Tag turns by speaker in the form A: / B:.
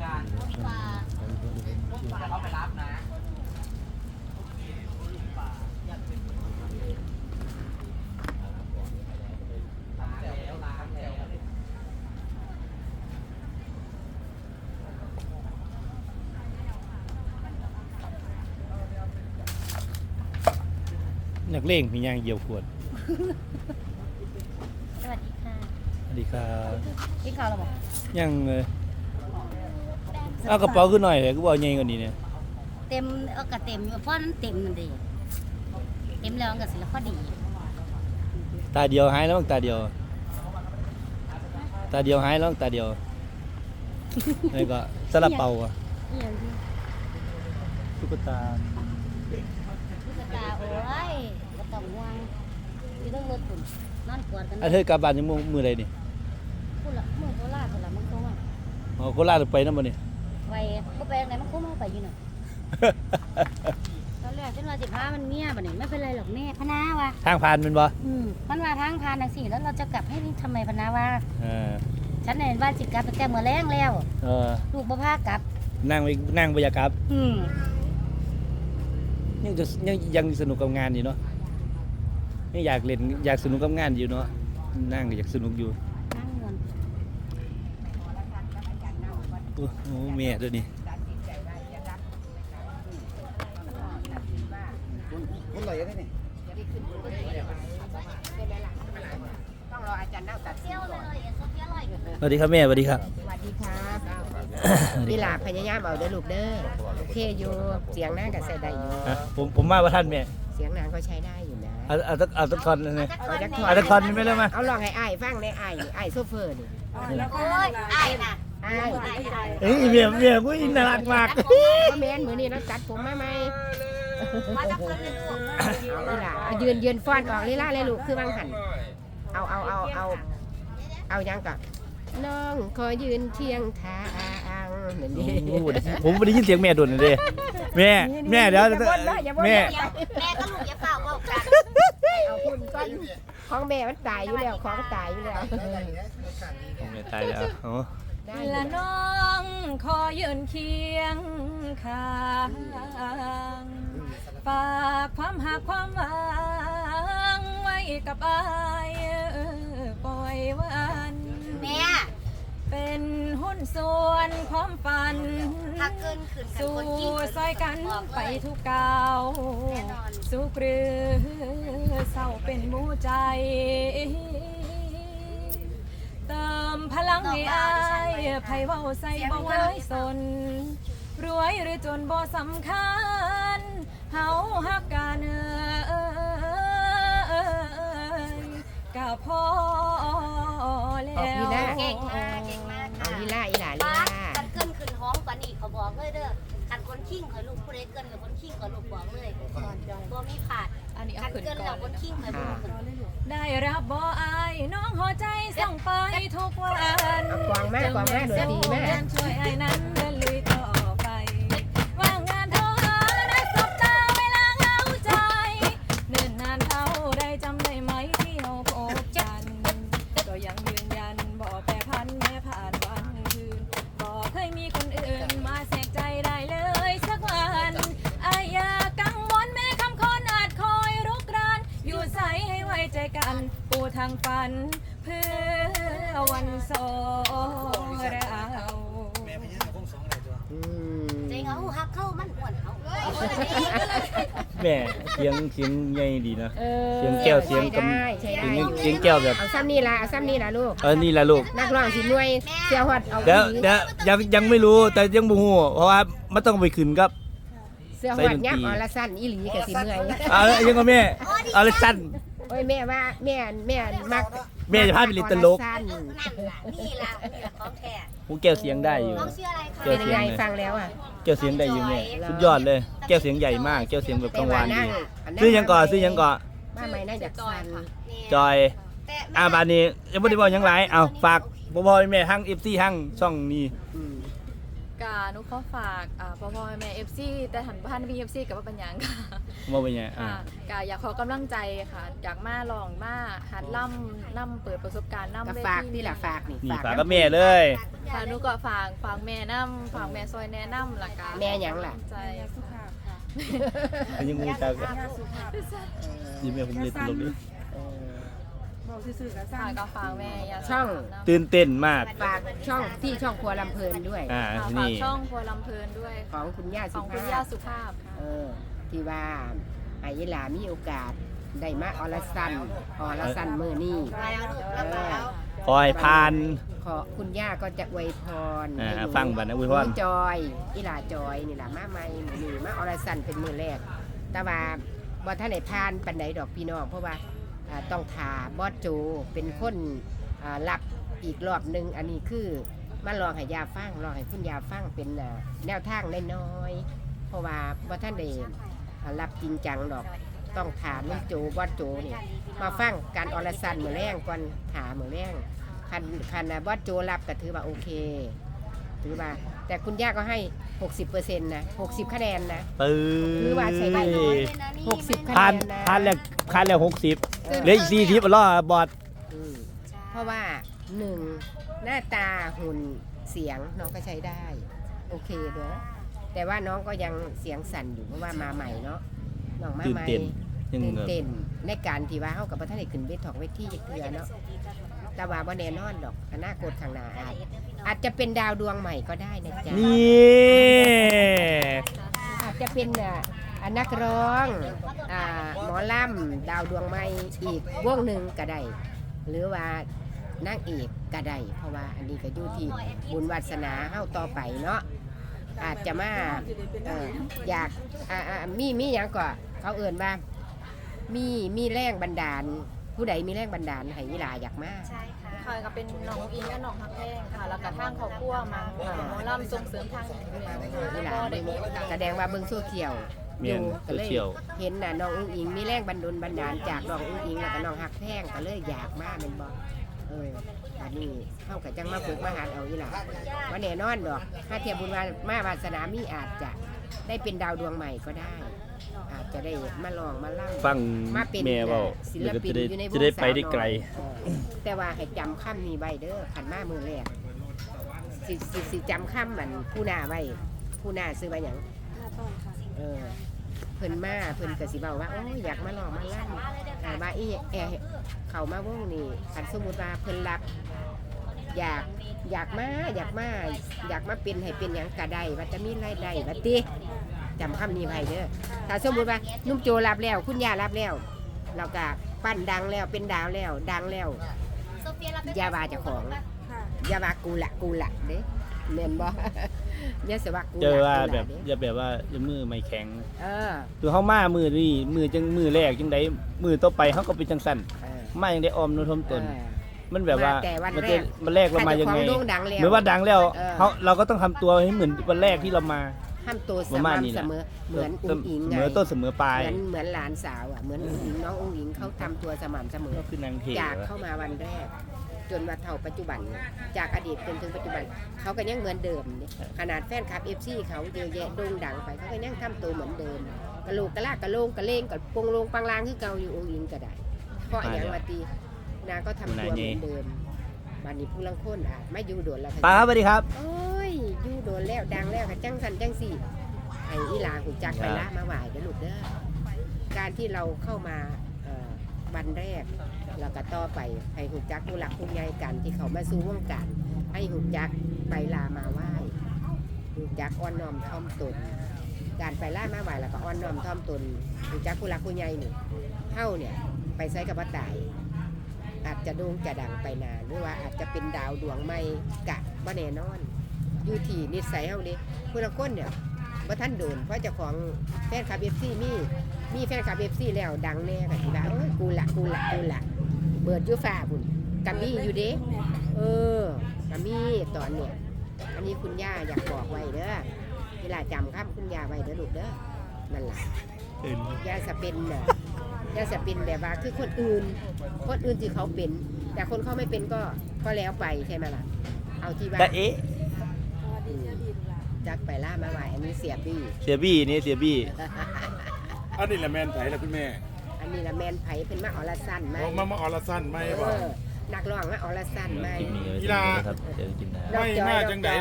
A: การจะเข้าไปรับนะ
B: นักเลงมียางเยียวขวด
C: สวัสดีค่ะ
B: สวัสดีครับ
C: กินข้าวแล้วบอก
B: ยังเอากระเป๋าขึ้นหน่อยเลยก็บอกใหญ่กว่านี้เนี่ย
C: เต็มเอากระเต็มอยู่เพราะนั้นเต็มมันดีเต็มแล้วมันก็สิแล้วพอดี
B: ตาเดียวหายแล้วมั้งตาเดียวหายแล้วมั้งตาเดียวนี่ก็สลับเป่าอ่ะ
C: นี่อย่างที่
B: ตุ๊กตา
C: ตุ๊กตาโอ้ยก็ต้องวางอยู่ต้องรถตุ่นนอนกอดกัน
B: เธอกลับบ้านยังมือใดนี่
C: พูดละมือโคราชพูดละมันคงว่า
B: อ๋อโคราชไปนั่นบ่นี่
C: ไปก็ไปไหนมันคงมาไปอยู่น่ะตอนแรกฉันว่า15มันเมียบัดนี้ไม่เป็นไรหรอกแม่พะนาวะ
B: ทางผ่านมันบ่
C: มันว่าทางผ่านจังซี่แล้วเราจะกลับให้ทำไมพะนาว่า
B: เออ
C: ฉันเห็นว่าสิกลับไปแต่มื้อแรงแล้ว
B: เออ
C: ลูกบ่พากลับ
B: นั่งบ่อยากกลับ
C: อืม
B: ยังสนุกกับงานอยู่เนาะยังอยากเล่นอยากสนุกกับงานอยู่เนาะนั่งก็อยากสนุกอยู่
C: นั่งเงิน
B: โอ้โหแม่ตัวนี้
A: คนเลยได้นี่ต้องรออาจารย์นั่งตัด
C: เที่ยวเลยโซเฟียอร่อย
B: สวัสดีครับแม่สวัสดีครับ
D: สวัสดีครับพี่หลาพยายามเอาเด้อลูกเด้อโอเคอยู่เสียงนางก็ใส่ได้อยู่
B: ผมมาว่าท่านแม่
D: เสียงนางก็ใช้ได้อยู่นะ
B: เอาตะคอนเลย
D: เอาจัก
B: เอาตะคอนนี่ไม่ได้มา
D: เอาลองให้อ้ายฟังในอ้ายโซเฟอร์นี่
C: โอ้ยไอ้น่ะ
D: อ้าย
B: เฮ้ยเมียกูอินน่ารักมาก
D: พ่อแม่นมื้อนี้เราจัดผมมาใหม่
C: มาจากคนหนึงลูก
D: เอาพี่หลาเอายืนฟ้อนออกลีลาเลยลูกคือวางหันเอายังก่อนน้องขอยืนเทียงทางเหมือนนี้
B: ผมไม่ได้ยินเสียงแม่ดุนเลยแม่เดี๋ยว
D: อย่าบ่นเด้ออย่าบ่น
B: แม่
D: เด้อ
C: แม่ก็ลูกอย่าเฝ้าเว้ากัน
D: เอาคุณก้อนของแม่มันตายอยู่แล้วของตายอยู่แล้ว
B: แม่ตายแล้วโอ้
D: ได้
E: ละน้องขอยืนเคียงข้างฝากความหักความหวังไว้กับอายปล่อยวัน
C: แม่
E: เป็นหุ้นส่วนความฝัน
C: ถ้าเกินขึ้นกัน
E: สู่
C: คนยิ่ง
E: ซอยกันไปทุกก้าวสู่กรือเศร้าเป็นหมู่ใจ เติมพลังให้อายไผเว้าใส่บ่ไว้สน รวยหรือจนบ่สำคัญเฮาฮักกันก็พอแล้ว
C: เก่งมากเก่งมาก
D: เอา
C: ค่ะ
D: ลีลาอีหลาลี
C: ป้า
D: ลา
C: กันเกินขึ้นห้องกว่านี้เขาบอกเลยเด้อคันคนขิ้งเคยลูกผู้ใดเกินกับคนขิ้งเคยลูกบอกเลยตัวมีขาด
E: อันนี้เอา
C: คัน
E: ขึ้น
C: เกิน
E: ก่
C: แล้
E: อ
C: วน คน
E: เลย
C: ขิ้งเคยบอกคน
E: ได้รับบ่อายน้องหัวใจส่งไปทุกวัน
D: เอากวางมากกวางมากโดนตีมาก
E: ช่วยไอ้นั้นเดินลุยต่อไปว่างงานโทรหาและสบตาเวลาเหงาใจเนิ่นนานเท่าได้จำได้ไหมที่เราพบกันก็ยังยืนยันบอกแปรพันแม้ผ่านวันคืนบอกเคยมีคนอื่นมาแสกใจได้เลยสักวันอายอย่ากังวลแม้คำคนอาจคอยรุกรานอยู่ใสให้ไว้ใจกันปูทางฝันเพื่อวันสองเรา
D: อืม
C: ใจเขาหักเข้ามันอ้วนเขา
B: แม่เสียงใหญ่ดีนะ
D: เออ
B: เสียงแก้วเสียงกำ
D: ใช้ได้
B: เสียงแก้วแบบ
D: เอาซ้ำนี่ล่ะลูก
B: นี่แหละลูก
D: นักร้องสิหน่วยเสียฮอดเอา
B: เดี๋ยวยังไม่รู้แต่ยังบ่ฮู้เพราะว่ามันต้องไปขึ้นครับ
D: เสียฮอดยับอรสั้นอีหลีก็สิเมื่อย
B: ยังก็แม่เอาเลยสั้น
D: โอ้ยแม่ว่าแม่มัก
B: แม่จะพาไปเล่นตลก
D: อรสั้น
C: นั่นล่ะนี่ล่ะของแท้
B: หูแก้วเสียงได้อยู่
C: น้องชื่ออะไรคะ
D: เป็นยังไงฟังแล้วอ่ะ
B: แก้วเสียงได้อยู่แม่สุดยอดเลยแก้วเสียงใหญ่มากแก้วเสียงแบบกังวานดี
D: แต่ว่านั่ง
B: ซื้อยังก่อนซื้อยังก่อน
D: มาใหม่น่าจะสั้น
B: จอยบานนี้ยังไม่ได้บอกยังไรเอาฝากพ่อแม่ทั้ง FC ทั้งช่องนี้
D: อืม
E: กานุขอฝากพ่อแม่ FC แต่หันบ้านมี FC กับว่าเป็นหยังค่ะ
B: ว่าเป็นไง
E: ค่ะกาอยากขอกำลังใจค่ะอยากมาลองมาหัดล่ำเปิดประสบการณ์ล่ำ
D: ก็
E: เว
D: ฝาก
E: ที
D: นี่แหละฝากนี่
B: นี่ฝาก
D: น้ำ
B: กับแม่เลย
E: ค่ะหนูก็ฝากแม่น้ำฝากแม่ซอยแนะน้ำล่ะกา
D: แม่หยังล่ะ
E: ใจสุขภาพค่ะ
B: อันยังงูตากันยิ้มแม่ผมเลยตลกดิ
E: ฝากก็ฝากแม่ยา
D: ช่อง
B: ตื่นเต้นมาก
D: ฝากช่องที่ช่องครัวลำเพลินด้วย
E: ฝาก
B: นี่
E: ช่องครัวลำเพลินด้วย
D: ของคุณย่า
E: ข
D: สุ
E: องคุณ
D: ภา
E: ย่า
D: พ
E: สุภาพค่ะ
D: ที่ว่าไอ้ยหลามีโอกาสได้มาอรสันมือนี่
B: ขอให้พาน
D: ขอคุณย่าก็จะอวยพรให้หนู
B: ฟังบัดนะอวยพร
D: หนูจอยอีหลาจอยนี่ล่ะมาใหม่มื้อนี่มาอรสันเป็นมือแรก แต่ว่าบ่ท่านได้พานปานใดดอกพี่น้องเพราะว่าต้องถาบอสโจเป็นคนรับอีกรอบหนึงอันนี้คือมาลองให้ยาฟังลองให้คุณยาฟังเป็นแนวทางน้อยๆเพราะว่าบ่ท่านได้รับจริงจังดอกต้องถามลุงโจบอสโจนี่มาฟังการอรสันมื้อแรงก่อนถามมื้อแรงคันบอสโจรับก็ถือว่าโอเคถือว่าแต่คุณย่าก็ให้ 60% นะ60คะแนนนะ
B: ปื้
D: คือว่าใช้ได้ 60คะแน
B: พาน
D: นนะ
B: พานแล้ว60เหลืออีก40รอบอด
D: เพราะว่า1หน้าตาหุ่นเสียงน้องก็ใช้ได้โอเคเด้อแต่ว่าน้องก็ยังเสียงสั่นอยู่เพราะว่ามาใหม่เนาะน้องมา
B: ตื่น
D: ใหม่
B: เต้นยัง
D: ตื่น
B: แบบ
D: เต้นในการที่ว่าเฮากับบ่ทันได้ขึ้นเวทีเวทีเทื่อเนาะแต่ว่าบ่แน่นอนดอกอนาคตข้างหน้าอาจจะเป็นดาวดวงใหม่ก็ได้นะจ๊ะ
B: นี่
D: อาจจะเป็นนักร้องหมอลำดาวดวงใหม่อีกวงหนึ่งก็ได้หรือว่านางเอกก็ได้เพราะว่าอันนี้ก็อยู่ที่บุญวาสนาเฮาต่อไปเนาะอาจจะมาอยากมีหยังก็เขาเอิ่นว่ามีแรงบันดาลผู้ใดมีแรงบันดาลให้วิลาอยากมา
E: ค่ะก็เป็นน้องอิงและน้องฮักแห้งค่ะแล้วก็ทางครอบครัวมาหมอลำส่งเสริมทางนี้อยู่แล้ว
D: วิลา
E: ก็ได้มีโอกาส
D: แสดงว่าเบิ่งโซเชียล
B: เมียน
D: ก็
B: โซ
D: เลย
B: เชียล
D: เห็นน้องอุ้งอิงมีแรงบันดาลจากน้องอุ้งอิงแล้วก็น้องฮักแท่งก็เลยอยากมาเป็นบ่อันนี้เข้ากับจังมาฝึกมาหาเอาอีหล่ะว่าแน่นอนดอกถ้าเทียบบุญมาวาสนามีอาจจะได้เป็นดาวดวงใหม่ก็ได้ อาจจะได้มาลองมาเล่า
B: ฟัง
D: มาเป็น
B: แม่เว้า
D: ศิล
B: แล้วก็
D: ปิน
B: จะได้
D: อยู่ในวง
B: จะได้ไป
D: สาว
B: ได้ไกล
D: น้อยแต่ว่าให้จำค่ำนี้ไว้เด้อขันมามือแรกสิจำค่ำมันผู้หน้าไว้ผู้หน้าซื้อไว้หยังเพิ่นมาเพิ่นก็สิเว้าว่าโอ้ยอยากมาลองมาลั่นว่าอีเข้ามาวงนี่คันสมมุติว่าเพิ่นรับอยากมาเป็นให้เป็นหยังก็ได้ว่าจะมีรายได้ว่าติจำคำนี้ไว้เด้อถ้าสมมุติว่านุ่มโจรับแล้วคุณย่ารับแล้วเราก็ปั้นดังแล้วเป็นดาวแล้วดังแล้วอย่าว่าเจ้าของอย่าว่ากูละเด้แม่นบ่อย่าสิว่ากูละ
B: เจอว่า
D: กูละ
B: แบบ
D: เด้
B: อย่าแบบว่าอย่ามือไม่แข็ง
D: เออ
B: คือเฮามามือนี่มือจังมือแรกจังไดมือต่อไปเฮาก็เป็นจังซั่น
D: เออ
B: มาจังได้ออมโนทมตน มันแบบว่า
D: มาแต่วัน
B: มัน
D: แร
B: จะ
D: ก
B: มันแรกเรามายังไง
D: ถ้าเจ้าของโด่งดังแล้ว
B: เหมือนว่าดังแล้ว
D: เออ
B: เราก็ต้องทำตัวให้เหมือนวันแรกที่เรามา
D: ห้ามตัว
B: ประมาณนี้
D: เส
B: แหละ
D: มอเหมือนอุ้งอิง
B: เส
D: ไง
B: มอต้นเสมอปลาย
D: เหมือนหลานสาวอ่ะเหมือนอุ้งอิงน้องอุ้งอิงเขาทำตัวสม่ำเสมอ
B: ก็คือนางเท
D: จากเข้ามาวันแรก จนมาเท่าปัจจุบันเนี่ยจากอดีตจนถึงปัจจุบันเขาก็ยังเหมือนเดิมเนี่ยขนาดแฟนคลับFCเขาเยอะแยะโด่งดังไปเขาก็ยังทำตัวเหมือนเดิมกะโหลกกะลากกะโลงกะเลงกะปงโลงปังลางคือเก่าอยู่อุ้งอิงก็ได้เพราะอย่างว่าตีนางก็ทำตัวเหมือนเดิมบัดนี้ผู้ลังคนอาจไม่อยู่โดนแล้ว
B: ป้าครับสวัสดีครับ
D: โอ้ยอยู่โดนแล้วดังแล้วกับจังสันจังสี่ไอ้อีหลาหูจักไปละมาไหวเด้อลูกเด้อการที่เราเข้ามาวันแรกเราก็ต่อไปให้หูจักผู้หลักผู้ใหญ่กันที่เขามาสู่วงการให้หูจักไปลามาไหว้หูจักอ้อนน้อมถ่อมตนการไปล่ามาไหวแล้วก็อ้อนน้อมถ่อมตนหูจักผู้หลักผู้ใหญ่นี่เท่าเนี่ยไปใช้กับว่าตายอาจจะโด่งจะดังไปนานหรือว่าอาจจะเป็นดาวดวงใหม่กะบ่แน่นอนอยู่ที่นิสัยเฮาเด้ผู้ละคนเนี่ยบ่ทันโดนเพราะเจ้าของแฟนคลับ FC มีแฟนคลับ FC แล้วดังแน่ก็สิว่าโอ้ยกูละเบิดอยู่ฟ้าพุ่นกัมีอยู่เด้กัมีตอนเนี่ยอันนี้คุณย่าอยากบอกไว้เด้อเวลาจำคำคุณย่าไว้เด้อลูกเด้อนั่นล่ะย่าจะเป็นแบบว่าคือคนอื่นที่เขาเป็นแต่คนเขาไม่เป็นก็แล้วไปใช่ไหมล่ะเอาที่ว่า
B: แต่เอ๊ะ
D: จักไปล่ามาไหวอันนี้เสียบี้
B: เสียบี้นี่เสียบี้
F: อันนี้แหละแมนไผ่ละคุณแม่
D: อันนี้ละแมนไผเป็นมาออลสั้นไหม
F: มาออลสั้นไหม
D: เอ
F: บ่
D: อนักร้องมาออลสั้นไหม
B: คลิปนี้เอาไว้เท่านี้นะครับเจอกันคลิปหน้า
F: ไม่มาจังไหน